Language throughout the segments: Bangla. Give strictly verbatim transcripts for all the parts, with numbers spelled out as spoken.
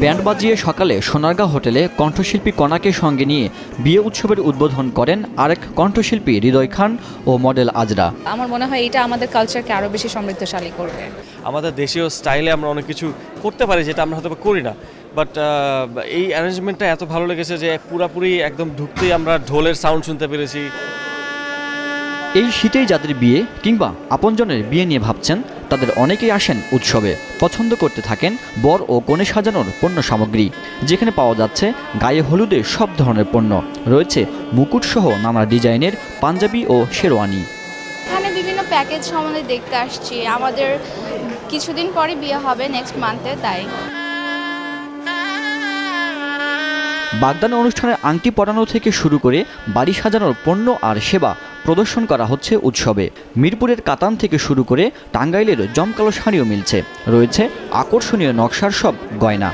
ব্যান্ড বাজিয়ে সকালে সোনারগাঁ হোটেলে কণ্ঠশিল্পী কণাকে সঙ্গে নিয়ে বিয়ে উৎসবের উদ্বোধন করেন আরেক কণ্ঠশিল্পী হৃদয় খান ও মডেল আজরা। আমার মনে হয় এটা আমাদের কালচারকে আরও বেশি সমৃদ্ধশালী করবে। আমাদের দেশীয় স্টাইলে আমরা অনেক কিছু করতে পারি যেটা আমরা হয়তো করি না, বাট এই অ্যারেঞ্জমেন্টটা এত ভালো লেগেছে যে পুরাপুরি একদম ঢুকতেই আমরা ঢোলের সাউন্ড শুনতে পেরেছি। এই শীতেই যাদের বিয়ে কিংবা আপনজনের বিয়ে নিয়ে ভাবছেন তাদের অনেকেই আসেন উৎসবে, পছন্দ করতে থাকেন বর ও কনে সাজানোর পণ্য সামগ্রী, যেখানে পাওয়া যাচ্ছে গায়ে হলুদে সব ধরনের পণ্য, রয়েছে মুকুটসহ নানা ডিজাইনের পাঞ্জাবি ও শেরওয়ানি। এখানে বিভিন্ন প্যাকেজ সম্বন্ধে দেখতে আসছি। আমাদের কিছুদিন পরে বিয়ে হবে, নেক্সট মান্থে, তাই। বাগদান অনুষ্ঠানের আংটি পরানো থেকে শুরু করে বাড়ি সাজানোর পণ্য আর সেবা প্রদর্শন করা হচ্ছে উৎসবে। মিরপুরের কাতান থেকে শুরু করে টাঙ্গাইলের জমকালো শাড়িও মিলছে, রয়েছে আকর্ষণীয় নকশার সব গয়না।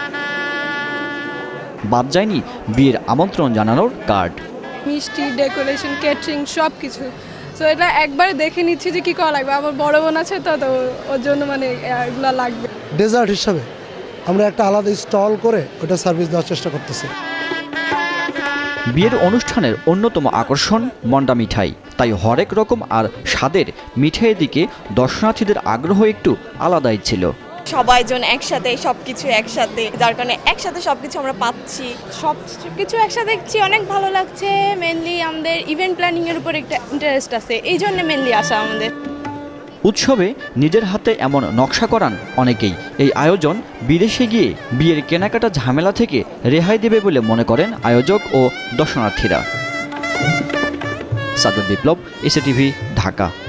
বাদ যায়নি বিয়ের আমন্ত্রণ জানানোর কার্ড। মিষ্টি, ডেকোরেশন, ক্যাটারিং সব কিছু। সো এটা একবার দেখে নিচ্ছি যে কী করা লাগবে। আমার বড় বোন আছে তো, তো ওর জন্য মানে এগুলো লাগবে। ডেজার্ট হিসাবে আমরা একটা আলাদা স্টল করে ওটা সার্ভিস দেওয়ার চেষ্টা করতেছি। বিয়ের অনুষ্ঠানের অন্যতম আকর্ষণ মন্ডা মিঠাই, তাই হরেক রকম আর স্বাদের মিঠাইয়ের দিকে দর্শনার্থীদের আগ্রহ একটু আলাদাই ছিল। সবাই জন একসাথে সব কিছু একসাথে, যার কারণে একসাথে সব কিছু আমরা পাচ্ছি। সব কিছু একসাথে দেখছি, অনেক ভালো লাগছে। মেনলি আমাদের ইভেন্ট প্ল্যানিংয়ের উপর একটা ইন্টারেস্ট আছে, এই জন্য মেনলি আসা আমাদের। উৎসবে নিজের হাতে এমন নকশা করান অনেকেই। এই আয়োজন বিদেশে গিয়ে বিয়ের কেনাকাটা ঝামেলা থেকে রেহাই দেবে বলে মনে করেন আয়োজক ও দর্শনার্থীরা। সাদত বিপ্লব, এসএটিভি, ঢাকা।